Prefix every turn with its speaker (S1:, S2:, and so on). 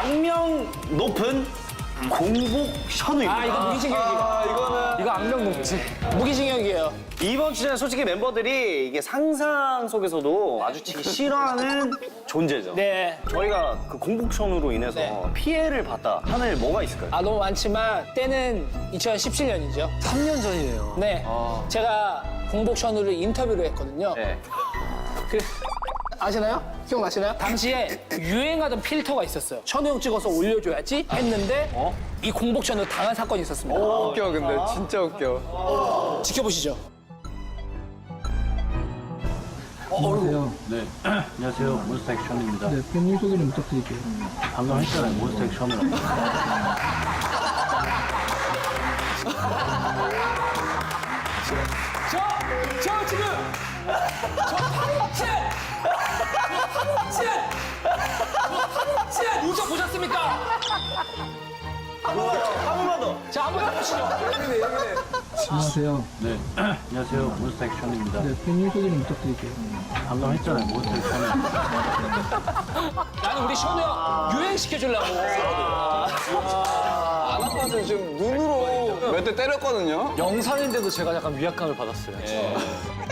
S1: 악명 높은 공복 션우입니다.
S2: 아, 이거 무기징역이에요. 이거 악명 높지. 무기징역이에요.
S1: 이번 주제는 솔직히 멤버들이 이게 상상 속에서도 마주치기 싫어하는 존재죠.
S2: 네.
S1: 저희가 그 공복 션우로 인해서
S2: 네.
S1: 피해를 봤다 하는 일 뭐가 있을까요?
S2: 아, 너무 많지만 때는 2017년이죠.
S3: 3년 전이네요.
S2: 네. 제가 공복 션우를 인터뷰를 했거든요.
S1: 네.
S2: 그, 아시나요? 기억나시나요? 당시에 유행하던 필터가 있었어요. 션우 형 찍어서 올려줘야지 했는데 이 공복 션우 당한 사건이 있었습니다.
S3: 웃겨, 근데. 진짜 웃겨.
S2: 지켜보시죠.
S4: 안녕하세요. 네. 안녕하세요. 몬스타 액션입니다.
S5: 네, 팬님 소개 좀 부탁드릴게요.
S4: 방금 했잖아요. 몬스타 액션이라고.
S2: 저 지금 파묵진 우정 보셨습니까?
S1: 한 번만 더.
S2: 자, 한번 해보시죠.
S5: 안녕하세요.
S4: 네. 안녕하세요. 몬스타 액션입니다.
S5: 네, 팬님 소개 좀 부탁드릴게요.
S4: 방금 했잖아요. 몬스타 액션이라고.
S2: 나는 우리 션우 형 유행시켜주려고.
S3: 아나빠는 지금 눈으로 몇 대 때렸거든요.
S6: 영상인데도 제가 약간 위압감을 받았어요.